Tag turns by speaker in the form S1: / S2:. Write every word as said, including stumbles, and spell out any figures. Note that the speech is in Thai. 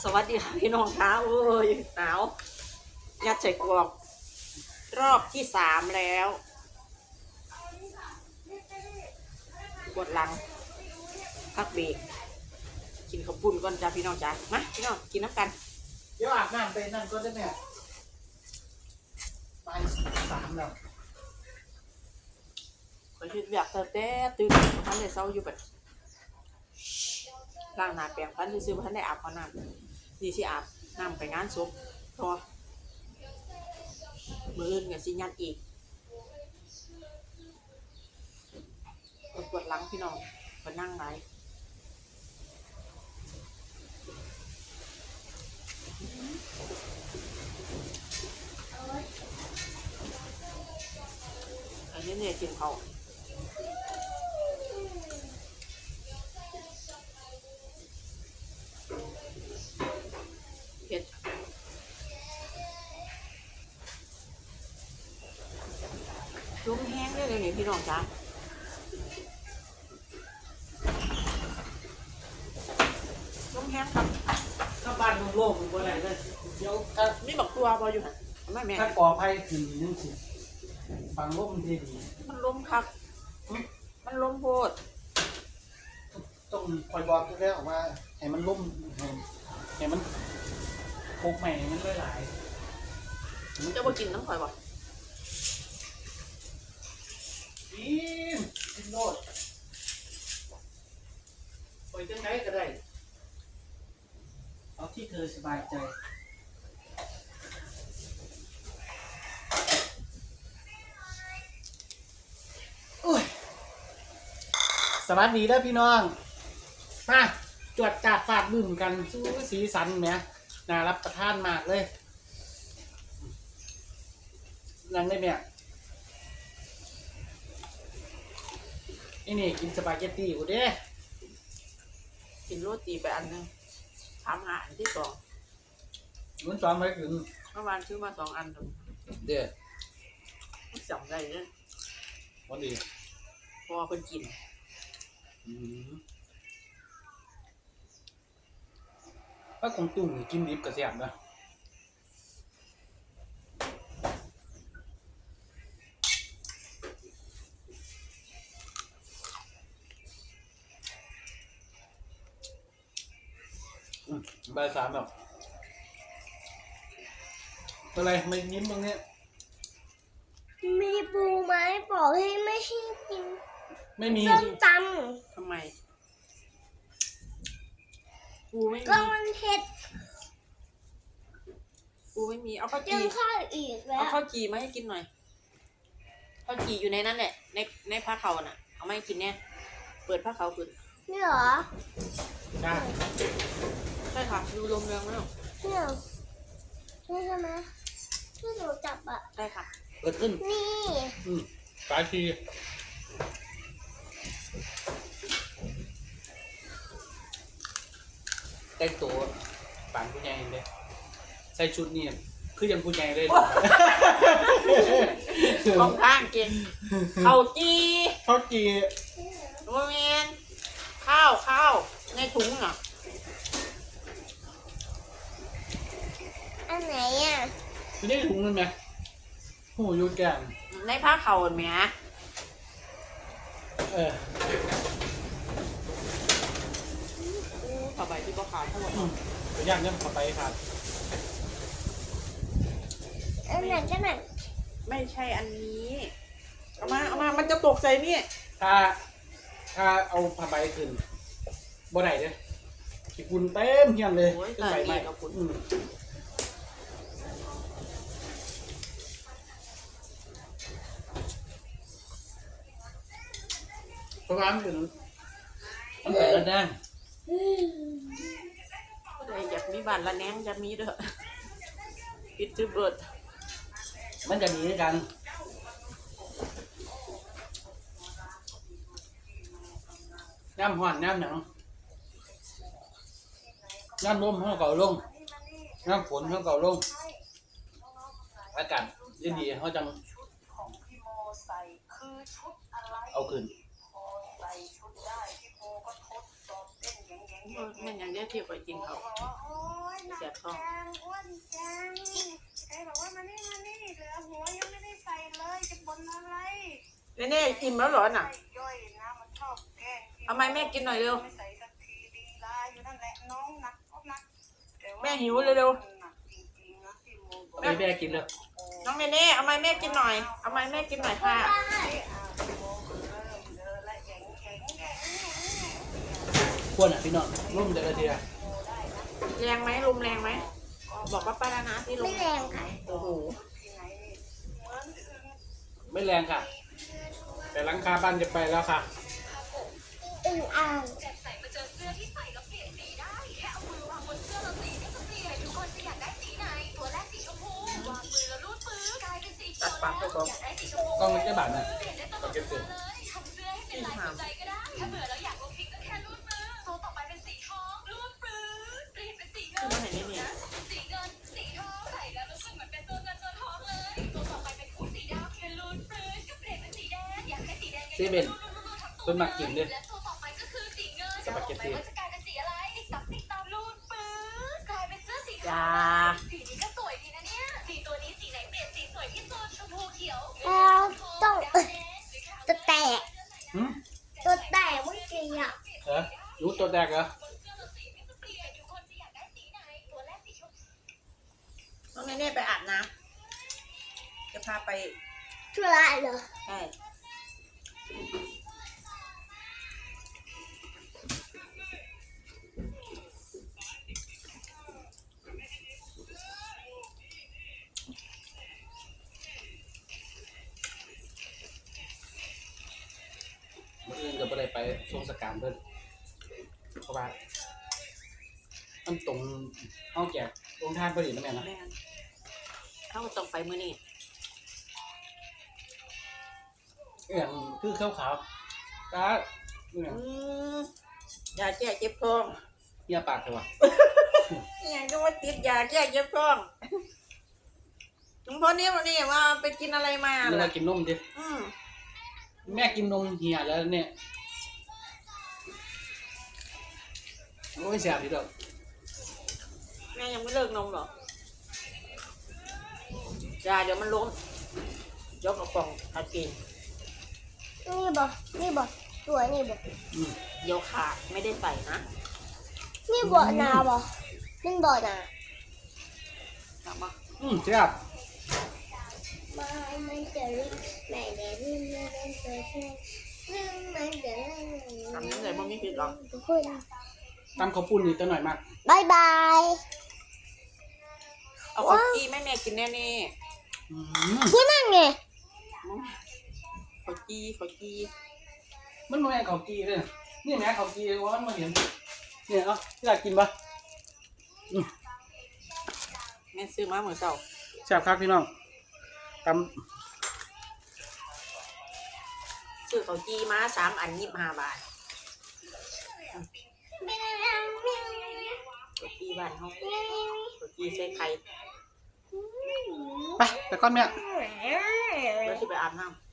S1: สวัสดีค่ะพี่น้องคะโอ้ยหนาวยัดใส่กรอกรอบที่สามแล้วปวดหลังพักเบรกกินข้าวปุ้นก่อนจ้าพี่น้องจ้ามาพี่น้องกินน้ำกัน
S2: เดี๋ยวอาบน้ำไปนั่นก็ได้แม่ไปสามแล้ว
S1: ขอคิดอยากแต่แต่ตื่นท่านได้เศร้าอยู่แบบล้างหน้าแปรงฟันซื้อๆท่านได้อาบก่อนน้ำดีสิอาบน้ำไปงานศพพอมืออื่นกับสิยันอีกปวดหลังพี่น้องมานั่งไหนอันนี้เนี่ยกินเขาเผ็ดลมแห้งได้เลยเนี่ยพี่น้องจ้าลมแห้งครับ
S2: ถ้าบ้านโล่งๆบ่ได้เลยเดี๋ยวถ้า
S1: นี่บอกตัวบออยู่หันแม่แม่
S2: ถ้าก่อไผ่ขึ้นยังสิฟังลมดีดี
S1: มันลมครับมันลมโพด
S2: ต้องคอยบอกแล้วว่าให้มันล่มให้ให้มันโคกใหม่มันหลาย
S1: ๆมันจะมากินน้ำข่อยบ่
S2: กินกินโลดไปจังไหนก็ได้เอาที่เธอสบายใจสวัสดีนะพี่น้องมาจวดจัดฟาดบึ้มกันสู้สีสันแหมน่ารับประทานมากเลยนั่งได้ไหมนี่นี่กินสปาเกตตี้กูเด้
S1: กินโรตีไปอันนึงทำหาอันที่สอง
S2: มันสอนไปถึง
S1: เมื่อวานซื้อมาสองอัน
S2: เด้อ
S1: จำได้เนี่ย
S2: วันดี
S1: พอคนกิน
S2: ป้าคงตุ่มกินดิบกระเสียบนะใบสามแบบอะไรไม่ยิ้มตรงนี้
S3: มีปูไหมบอกให้ไม่ให้กิน
S2: ไม่มี
S3: ส้มต
S1: ำทำไมปูไม่มี
S3: ก็มันเผ็ด
S1: ปูไม่มีเอาข้าวจี
S3: ยังข้าวอีกแล้ว
S1: เอาข้าวจีมาให้กินหน่อยข้าวจีอยู่ในนั้นแหละในในผ้าเขาน่ะเอามาให้กินเนี่ยเปิดผ้าเขาขึ้น
S3: นี่เหรอ
S2: ใช่
S1: ใช่ค่ะดูลมแรงไหมหรอ
S3: นี่เหรอนี่ใช่ไหมที่หนูจับอ่ะ
S1: ใช่ค่ะ
S2: เปิดขึ้น
S3: นี่
S2: อืมสายทีแต่งตัวปานผู้ใหญ่เลยใส่ชุดนี่คือยังผู้ใหญ่เลย
S1: ของข้างกินข้าวจี
S2: ข้าวจี
S1: โมเมนข้าวข้าวในถุงอ่ะ
S3: อันไหนอ่ะ
S2: ไม่ได้ถุงเลยไหมโหยูแกง
S1: ในผ้าเขาไหม
S2: เออ
S1: ผ้าใบที่ก็ขาดทั้งหมด
S2: เดี๋ยวย่างเนี่ยขอไปขาด
S3: อันไหนกันไหน
S1: ไม่ใช่อันนี้เอามาเอามามันจะตกใจนี่
S2: ถ้าถ้าเอาผ้าใบขึ้นบ่ไหนเนี่ยขี้ฝุ่นเต็มเฮียนเลยขึ้นใบไม้กับฝุ่นเพราะว่ามันเป็นมันเป็นระดับ
S1: ก็เลยอยากมีบ้านละแนงจะมีเด้อปิดจืดเบิด
S2: มันจะหนีกันน้ำห่อนน้ำหนังน้ำลมเขาเก่าลงน้ำฝนเขาเก่าลงอากาศดีๆเขาจังเอาขึ้น
S1: มันยังได้เทียบไปกินเขาเสียบท้อง
S3: อ้วนจังใครบอกว่ามานี่มานี่เหลือหัวยังไม่ได้ใส่เลยจะบนอะไร
S1: เน่เน่อิ่มแล้วเหรอน่ะ
S3: ย่อยนะมันชอบแกล้ง
S1: เอาไม้แม่กินหน่อยเร็ว
S3: ไม่ใส่สักทีดีลาอยู่นั่นแหละน้องหนักก็หนักต่า
S1: แม่หิวเร็ว
S3: หนักจริงๆนะที่โมบอก
S2: แม่แม่กินเลย
S1: น้องเน่เน่เอาไม้แม่กินหน่อยเอาไม้แม่กินหน่อยค่ะ
S2: ควรอ่ะพี่น้องร่มเดือดเดียว
S1: แรงไหมลมแรงไหมบอกว่าป้าแล้วนะที่ลม
S3: ไม่แรงค่ะ
S1: โอ้โห
S2: ไม่แรงค่ะ แต่หลังคาบ้านจะไปแล้วค่ะ
S3: อึ่งอ่าง
S4: ใส่มาเจอเสื้อที่ใส่แล้วเปลี่ยนสีได้ แค่เอามือวางบนเสื้อแล้วสีก็จะเปลี่ยนทุกคนจะอยากได้สีไหน ตัวแรกสีชมพู วางมือแล้วรูดปื้อกลายเป็นสีเขี
S1: ตั
S4: ย
S1: ด
S4: ว
S1: ปากไปก่อน
S4: อยากได้สีชมพู
S2: กล้องมันจะบาดนะ
S4: เปลี่ยนได้ตลอดเวลาเลยทำเสื้อให้เป็นลายสนใจก็ได้ ถ้าเบื่อแล้วอยากลงพลิกก็แค่รูดมือตัวต่อไปเป็นสีทองรูดปื้อเปลี่ยนเป็นสีเงิน
S1: คือเห็นนี่นี่
S4: สีเงิน สีทองใส่แล้วรู้สึกเหมือนเป็นตัวเงินตัวทองเลย ตัวต่อไปเป็นคู่สีดำแค่รูดปื้อก็เปลี่ยนเป็นสีแดง อยากให้สีแดง
S2: เซเว่นเพิ่นมักกินเด้อ
S4: และตัวต่อไปก็คือสีเงิน
S2: สปาเกตตี้
S4: ว่าจะกลายเป็นสีอะไรตับติดตามรูดปื้อกลายเป็นเสื้อสี
S1: อ
S4: ขา
S1: ย่าว
S4: สีนี้ก็สวยดีนะเนี่ยสีตัวนี้สีไหนเปลี่ยนสีสวยที่สุดชมพูเขียว
S3: แล้วต้องจะแตก
S2: หืม
S3: ตัวแตกเมื่อกี้อ่ะ
S2: เออรู้ตัวแดกเหรอ
S4: บนเสื้อเราสีก็จะเปลี่ยนทุกคนจะอยากได้สีไหนตัวแรกสีชมพู
S1: น้องเน่เน่ไปอาบน้ำจะพาไป
S3: ช่วยอะไรเหรอ
S1: ใช่
S2: เมื่ออื่นก็ไม่ได้ไปทรงสการเพิ่นเพราะว่ามันตรงห้องแจกตรงทานพอดีนะแม่นะ
S1: แม่นเขาก็ต้องไปมื้อนี้
S2: อย่างคือขาวๆตาเนี่ย
S1: อืมยาแก้เจ็บท้อง
S2: เหี้ยปากเถอะวะ
S1: เนี่ยจะว่าติดยาแก้เจ็บท้องหลวงพ่อเนี่ยวันนี้ว่าไปกินอะไรมา
S2: นึก
S1: ล่ะ
S2: ว่ากินนมดิ
S1: อืม
S2: แม่กินนมเหี่ยแล้วเนี่ยโอ้ยเสียดีดอก
S1: แม่ยังไม่เลิกนมหรอ ยาเดี๋ยวมันล้มยกกระป๋องเอากิน
S3: นี่บอกนี่บอกตัวนี่บอก
S2: อืม
S1: เดี๋ยวขาดไม่ได้ใส่นะ
S3: นี่บอกนาบอกนี่บอกนา
S1: ถามว่า
S2: อืมเสียบ
S3: มาไม่เจอแม่เด็กนี่ไม่ได้เจอแค่ไม่เจอ
S1: ทำยังไงบ่มีผิดหรอก
S3: ทุกคน
S2: ตำข้าวปุ้นนี่ตัวหน่อยมาก
S3: บายบาย
S1: เอาของกี้แม่แม่กินแน่นี่
S2: อืม
S3: พูดนั่นไง
S1: ขอกี้ขอกี้
S2: มันมาแม่ข้าวกีเลยนะนี่แม่ข้าวกีว่ามันมาเห็นเนี่ยเนาะที่อยากกินปะอืม
S1: แม่ซื้อมาเหมือนเก่า
S2: แซ่บครับพี่น้องต
S1: ซื้อขอกี้มาสามอันยี่สิบห้าบาทขอกี้บ้านเขาขอกี้ใส่ไข่
S2: ำไปไปก้อนแม่
S1: แล้วที่ไปอาบน้ำ